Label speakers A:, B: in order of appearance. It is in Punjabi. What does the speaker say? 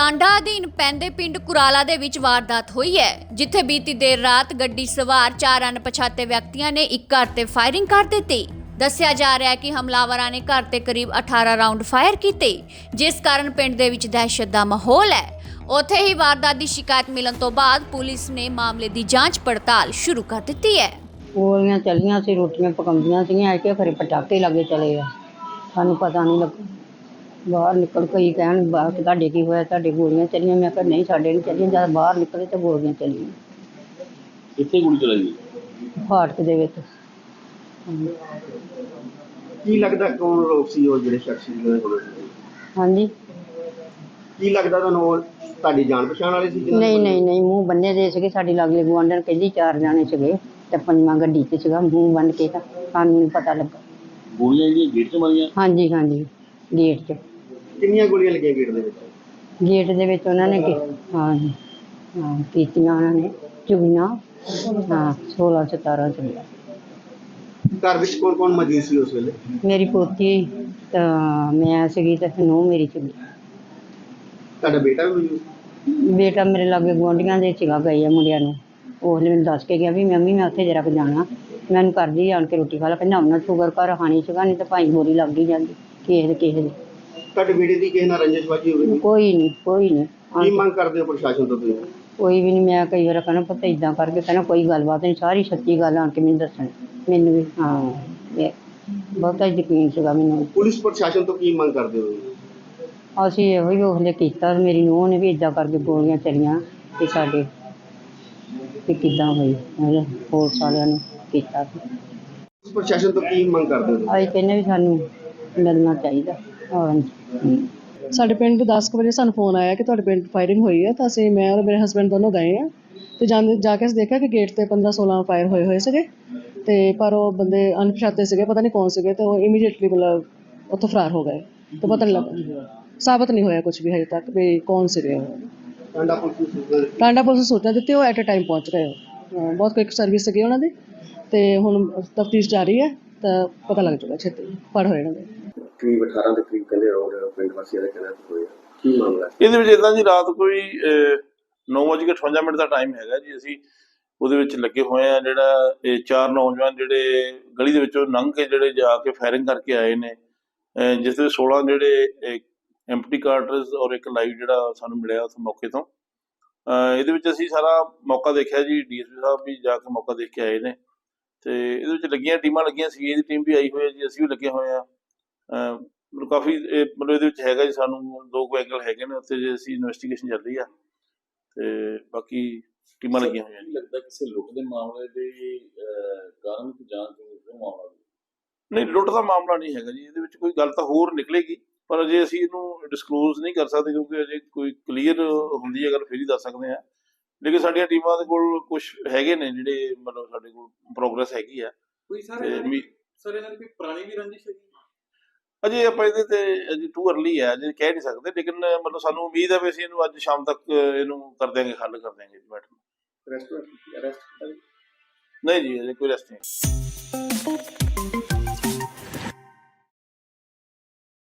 A: ਟਾਂਡਾ ਅਧੀਨ ਪੈਂਦੇ ਪਿੰਡ ਕੁਰਾਲਾ ਦੇ ਵਿੱਚ ਵਾਰਦਾਤ ਹੋਈ ਹੈ, ਜਿੱਥੇ ਬੀਤੀ ਦੇਰ ਰਾਤ ਗੱਡੀ ਸਵਾਰ 4 ਅਣਪਛਾਤੇ ਵਿਅਕਤੀਆਂ ਨੇ ਇੱਕ ਘਰ ਤੇ ਫਾਇਰਿੰਗ ਕਰ ਦਿੱਤੀ। ਦੱਸਿਆ ਜਾ ਰਿਹਾ ਹੈ ਕਿ ਹਮਲਾਵਰਾਂ ਨੇ ਘਰ ਤੇ ਕਰੀਬ 18 ਰਾਉਂਡ ਫਾਇਰ ਕੀਤੇ, ਜਿਸ ਕਾਰਨ ਪਿੰਡ ਦੇ ਵਿੱਚ ਦਹਿਸ਼ਤ ਦਾ ਮਾਹੌਲ ਹੈ। ਉੱਥੇ ਹੀ ਵਾਰਦਾਤ ਦੀ ਸ਼ਿਕਾਇਤ ਮਿਲਣ ਤੋਂ ਬਾਅਦ ਪੁਲਿਸ ਨੇ ਮਾਮਲੇ ਦੀ ਜਾਂਚ ਪੜਤਾਲ ਸ਼ੁਰੂ ਕਰ ਦਿੱਤੀ ਹੈ।
B: ਗੋਲੀਆਂ ਚੱਲੀਆਂ ਸੀ, ਰੋਟੀਆਂ ਪਕਾਉਂਦੀਆਂ ਸੀਗੀਆਂ, ਕਿ ਖਰੇ ਪਟਾਕੇ ਲੱਗੇ ਚਲੇ ਆ, ਸਾਨੂੰ ਪਤਾ ਨਹੀਂ ਲੱਗਾ। ਬਾਹਰ ਨਿਕਲ ਕਈ ਕਹਿਣ ਬਾਹਰ ਤੁਹਾਡੇ ਕੀ ਹੋਇਆ, ਤੁਹਾਡੇ ਗੋਲੀਆਂ ਚੱਲੀਆਂ। ਮੈਂ ਕਿਹਾ ਨਹੀਂ, ਸਾਡੇ ਨਹੀਂ ਚੱਲੀਆਂ। ਜਦ ਬਾਹਰ ਨਿਕਲੇ ਤਾਂ ਗੋਲੀਆਂ ਚੱਲੀਆਂ।
C: ਕਿੱਥੇ ਗੋਲੀ ਚਲਾਈ?
B: ਫਾਟਕ ਦੇ ਵਿੱਚ।
C: ਕੀ ਲੱਗਦਾ ਕੌਣ ਲੋਕ ਸੀ ਉਹ ਜਿਹੜੇ ਸ਼ਖਸ ਸੀ ਉਹਦੇ ਕੋਲ?
B: ਹਾਂਜੀ,
C: ਕੀ ਲੱਗਦਾ ਤੁਹਾਨੂੰ ਉਹ ਤੁਹਾਡੀ ਜਾਣ ਪਛਾਣ ਵਾਲੇ ਸੀ?
B: ਨਹੀਂ, ਮੂੰਹ ਬੰਨੇ ਦੇ ਸੀਗੇ। ਸਾਡੀ ਲਾਗੇ ਗੁਆਂਢਣ ਕਹਿੰਦੀ 4 ਜਾਣੇ ਸੀਗੇ ਤੇ 5ਵਾਂ ਗੱਡੀ 'ਚ ਸੀਗਾ, ਮੂੰਹ ਬੰਨ ਕੇ। ਤਾਂ ਸਾਨੂੰ ਨਹੀਂ ਪਤਾ ਲੱਗਾ।
C: ਗੋਲੀਆਂ ਜਿਹੜੀਆਂ ਗੇਟ 'ਚ ਮਾਰੀਆਂ?
B: ਹਾਂਜੀ, ਗੇਟ 'ਚ।
C: ਕਿੰਨੀਆਂ ਗੋਲੀਆਂ ਲੱਗੀਆਂ ਗੇਟ ਦੇ ਵਿੱਚ?
B: ਗੇਟ ਦੇ ਵਿੱਚ ਉਹਨਾਂ ਨੇ ਕੀਤੀਆਂ, ਉਹਨਾਂ ਨੇ ਚੁਗੀਆਂ। 16-17 ਚੁਗੀਆਂ।
C: ਘਰ ਵਿੱਚ ਕੌਣ ਕੌਣ ਮੌਜੂਦ ਸੀ ਉਸ ਵੇਲੇ?
B: ਮੇਰੀ ਪੋਤੀ ਤਾਂ ਮੈਂ ਸੀਗੀ ਤੇ ਨੂੰਹ ਮੇਰੀ ਸੀਗੀ।
C: ਤੁਹਾਡਾ ਬੇਟਾ ਵੀ ਮੌਜੂਦ ਸੀ?
B: ਬੇਟਾ ਮੇਰੇ ਲਾਗੇ ਗੁਆਂਢੀਆਂ ਦੇ ਸੀਗਾ, ਗਏ ਆ ਮੁੰਡਿਆਂ ਨੂੰ। ਉਹਨੇ ਮੈਨੂੰ ਦੱਸ ਕੇ ਗਿਆ ਵੀ ਮੰਮੀ ਮੈਂ ਉੱਥੇ ਜਰਾ ਕੁ ਜਾਣਾ, ਮੈਨੂੰ ਕਰਦੀ ਆਣ ਕੇ ਰੋਟੀ ਖਾ ਲਾ। ਕਹਿੰਦਾ ਉਹਨਾਂ ਸ਼ੂਗਰ ਘਰ ਖਾਣੀ ਸੀਗਾ, ਨਹੀਂ ਤਾਂ ਭਾਈ ਗੋਲੀ ਲੱਗ ਹੀ ਜਾਂਦੀ ਕਿਸੇ ਦੀ।
C: ਤੁਹਾਡੇ ਬੇਟੇ ਦੀ ਕਿਸੇ ਨਾਲ ਰੰਜਿਸ਼ਬਾਜੀ ਹੋਵੇ?
B: ਕੋਈ ਨਹੀਂ।
C: ਕੀ ਮੰਗ ਕਰਦੇ ਹੋ ਪ੍ਰਸ਼ਾਸਨ ਤੋਂ ਤੁਸੀਂ?
B: ਕੋਈ ਵੀ ਨਹੀਂ। ਮੈਂ ਕਈ ਵਾਰ ਕਹਿਣਾ ਪੁੱਤ ਇੱਦਾਂ ਕਰਕੇ, ਕਹਿਣਾ ਕੋਈ ਗੱਲਬਾਤ ਨਹੀਂ, ਸਾਰੀ ਸੱਚੀ ਗੱਲ ਆਣ ਕੇ ਮੈਨੂੰ ਦੱਸਣ। ਮੈਨੂੰ ਵੀ ਬਹੁਤਾ ਯਕੀਨ ਸੀਗਾ ਮੈਨੂੰ।
C: ਪੁਲਿਸ ਪ੍ਰਸ਼ਾਸਨ ਤੋਂ ਕੀ ਮੰਗ ਕਰਦੇ ਹੋ?
B: ਅਸੀਂ ਇਹੋ ਹੀ ਉਹਲੇ ਕੀਤਾ। ਮੇਰੀ ਨੂੰਹ ਨੇ ਵੀ ਇੱਦਾਂ ਕਰਕੇ ਗੋਲੀਆਂ ਚੱਲੀਆਂ ਤੇ ਸਾਡੇ ਤੇ ਕਿੱਦਾਂ ਹੋਈ, ਪੁਲਿਸ ਵਾਲਿਆਂ ਨੂੰ ਕੀਤਾ।
C: ਪ੍ਰਸ਼ਾਸਨ ਤੋਂ ਕੀ ਮੰਗ ਕਰਦੇ ਹੋ?
B: ਅਸੀਂ ਕਹਿੰਦੇ ਵੀ ਸਾਨੂੰ ਮਿਲਣਾ ਚਾਹੀਦਾ।
D: ਸਾਡੇ ਪਿੰਡ 10 ਕੁ ਵਜੇ ਸਾਨੂੰ ਫੋਨ ਆਇਆ ਕਿ ਤੁਹਾਡੇ ਪਿੰਡ ਫਾਇਰਿੰਗ ਹੋਈ ਹੈ। ਤਾਂ ਅਸੀਂ, ਮੈਂ ਔਰ ਮੇਰੇ ਹਸਬੈਂਡ ਦੋਨੋਂ ਗਏ ਹਾਂ ਅਤੇ ਜਾ ਕੇ ਅਸੀਂ ਦੇਖਿਆ ਕਿ ਗੇਟ 'ਤੇ 15-16 ਫਾਇਰ ਹੋਏ ਸੀਗੇ। ਅਤੇ ਪਰ ਉਹ ਬੰਦੇ ਅਣਪਛਾਤੇ ਸੀਗੇ, ਪਤਾ ਨਹੀਂ ਕੌਣ ਸੀਗੇ। ਅਤੇ ਉਹ ਇਮੀਡੀਏਟਲੀ ਮਤਲਬ ਉੱਥੋਂ ਫਰਾਰ ਹੋ ਗਏ। ਅਤੇ ਪਤਾ ਨਹੀਂ ਲੱਗਾ, ਸਾਬਤ ਨਹੀਂ ਹੋਇਆ ਕੁਛ ਵੀ ਹਜੇ ਤੱਕ ਵੀ ਕੌਣ ਸੀਗੇ ਉਹ। ਟਾਂਡਾ ਪੁਲਿਸ ਨੂੰ ਸੂਚਨਾ ਦਿੱਤੀ, ਉਹ ਐਟ ਅ ਟਾਈਮ ਪਹੁੰਚ ਗਏ। ਬਹੁਤ ਕੁਇੱਕ ਸਰਵਿਸ ਸੀਗੀ ਉਹਨਾਂ ਦੀ। ਅਤੇ ਹੁਣ ਤਫਤੀਸ਼ ਜਾਰੀ ਹੈ, ਤਾਂ ਪਤਾ ਲੱਗ ਜਾਊਗਾ ਛੇਤੀ ਫੜ ਹੋਏ ਇਹਨਾਂ ਦੇ।
C: ਕਰੀਬ 18 ਦੇ ਕਰੀਬ ਕਹਿੰਦੇ ਰੌਂਡ ਪਿੰਡ ਵਾਸੀਆਂ ਦੇ ਕਹਿਣਾ ਹੋਇਆ। ਕੀ ਮਾਮਲਾ
E: ਇਹਦੇ ਵਿੱਚ ਇੱਦਾਂ ਜੀ, ਰਾਤ ਕੋਈ 9:58 ਦਾ ਟਾਈਮ ਹੈਗਾ ਜੀ। ਅਸੀਂ ਉਹਦੇ ਵਿੱਚ ਲੱਗੇ ਹੋਏ ਆ। ਜਿਹੜਾ ਇਹ 4 ਨੌਜਵਾਨ ਜਿਹੜੇ ਗਲੀ ਦੇ ਵਿੱਚੋਂ ਲੰਘ ਕੇ ਜਿਹੜੇ ਜਾ ਕੇ ਫਾਇਰਿੰਗ ਕਰਕੇ ਆਏ ਨੇ, ਜਿਸ ਦੇ 16 ਜਿਹੜੇ ਐਮਪਟੀ ਕਾਰਟਰਸ ਔਰ ਇੱਕ ਲਾਈਵ ਜਿਹੜਾ ਸਾਨੂੰ ਮਿਲਿਆ ਉਸ ਮੌਕੇ ਤੋਂ। ਇਹਦੇ ਵਿੱਚ ਅਸੀਂ ਸਾਰਾ ਮੌਕਾ ਦੇਖਿਆ ਜੀ। DSP ਸਾਹਿਬ ਵੀ ਜਾ ਕੇ ਮੌਕਾ ਦੇਖ ਕੇ ਆਏ ਨੇ। ਅਤੇ ਇਹਦੇ ਵਿੱਚ ਲੱਗੀਆਂ ਟੀਮਾਂ ਲੱਗੀਆਂ ਸੀ, ਇਹਦੀ ਟੀਮ ਵੀ ਆਈ ਹੋਈ ਹੈ ਜੀ, ਅਸੀਂ ਵੀ ਲੱਗੇ ਹੋਏ ਹਾਂ। ਕਾਫੀ ਮਤਲਬ ਇਹਦੇ ਵਿੱਚ ਹੈਗਾ ਜੀ, ਸਾਨੂੰ 2 ਐਂਗਲ ਹੈਗੇ ਨੇ ਉੱਥੇ ਜੇ ਅਸੀਂ ਇਨਵੈਸਟੀਗੇਸ਼ਨ ਚੱਲ ਰਹੀ ਆ, ਅਤੇ ਬਾਕੀ ਟੀਮਾਂ ਲੱਗੀਆਂ ਹੋਈਆਂ।
F: ਲੱਗਦਾ ਕਿਸੇ ਲੁੱਟ ਦੇ ਮਾਮਲੇ ਦੇ ਕਾਰਨ ਕੋਈ ਜਾਂਚ ਮਾਮਲਾ?
E: ਨਹੀਂ, ਲੁੱਟ ਦਾ ਮਾਮਲਾ ਨਹੀਂ ਹੈਗਾ ਜੀ। ਇਹਦੇ ਵਿੱਚ ਕੋਈ ਗੱਲ ਤਾਂ ਹੋਰ ਨਿਕਲੇਗੀ, ਪਰ ਅਜੇ ਅਸੀਂ ਇਹਨੂੰ ਡਿਸਕਲੋਜ਼ ਨਹੀਂ ਕਰ ਸਕਦੇ, ਕਿਉਂਕਿ ਅਜੇ ਕੋਈ ਕਲੀਅਰ ਹੁੰਦੀ ਹੈ ਗੱਲ ਫਿਰ ਹੀ ਦੱਸ ਸਕਦੇ ਹਾਂ। ਲੇਕਿਨ ਸਾਡੀਆਂ ਟੀਮਾਂ ਦੇ ਕੋਲ ਕੁਛ ਹੈਗੇ ਨੇ ਜਿਹੜੇ ਮਤਲਬ ਸਾਡੇ ਕੋਲ ਪ੍ਰੋਗਰੈਸ ਹੈਗੀ ਆ।
F: ਕੋਈ ਸਰ ਇਹਨਾਂ ਦੀ ਕੋਈ ਪੁਰਾਣੀ ਵੀ ਰੰਜਿਸ਼ ਹੈਗੀ?
E: ਅਜੇ ਆਪਾਂ ਇਹਦੇ ਤੇ ਅਜੇ ਟੂ ਅਰਲੀ ਹੈ, ਅਜੇ ਕਹਿ ਨਹੀਂ ਸਕਦੇ। ਲੇਕਿਨ ਮਤਲਬ ਸਾਨੂੰ ਉਮੀਦ ਹੈ ਵੀ ਅਸੀਂ ਇਹਨੂੰ ਅੱਜ ਸ਼ਾਮ ਤੱਕ ਇਹਨੂੰ ਕਰ ਦਿਆਂਗੇ, ਹੱਲ ਕਰ ਦਿਆਂਗੇ ਜੀ। ਬੈਠ
C: ਅਰੈਸਟ
E: ਨਹੀਂ ਜੀ, ਅਜੇ ਕੋਈ ਅਰੈਸਟ ਨਹੀਂ।